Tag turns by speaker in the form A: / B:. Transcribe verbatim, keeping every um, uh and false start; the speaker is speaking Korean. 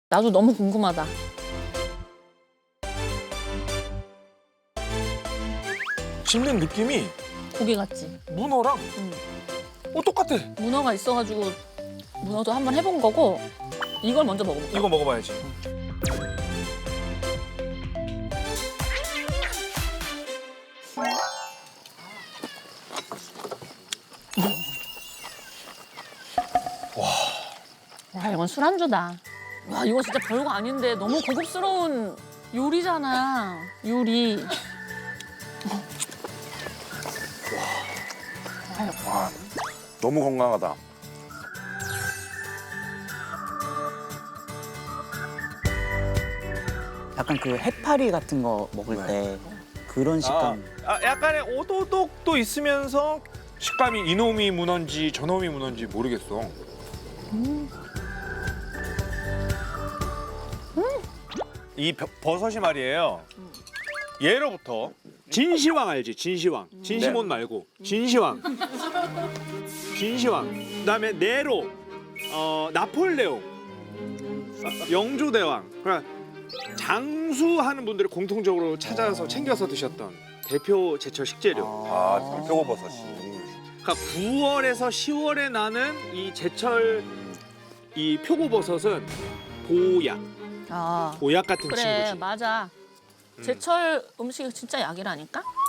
A: 나도 너무 궁금하다.
B: 씹는 느낌이
A: 고기 같지?
B: 문어랑
A: 응.
B: 어 똑같아.
A: 문어가 있어가지고 문어도 한번 해본 거고 이걸 먼저 먹어볼까?
B: 이거 먹어봐야지.
A: 와, 이건 술안주다. 와, 이거 진짜 별거 아닌데 너무 고급스러운 요리잖아. 요리.
C: 와, 너무 건강하다.
D: 약간 그 해파리 같은 거 먹을 때 그런 식감.
B: 아, 아, 약간의 오도독도 있으면서 식감이 이놈이 문어인지 저놈이 문어인지 모르겠어. 이 벼- 버섯이 말이에요. 예로부터 진시황 알지? 진시황. 진시몬 말고 진시황. 진시황. 그다음에 네로, 어, 나폴레옹, 영조대왕. 그러니까 장수하는 분들이 공통적으로 찾아서 챙겨서 드셨던 대표 제철 식재료.
C: 아, 표고버섯이.
B: 그러니까 구월에서 시월에 나는 이 제철 이 표고버섯은 보약,
A: 아,
B: 보약 같은
A: 그래,
B: 친구지.
A: 맞아. 제철 음식이 진짜 약이라니까?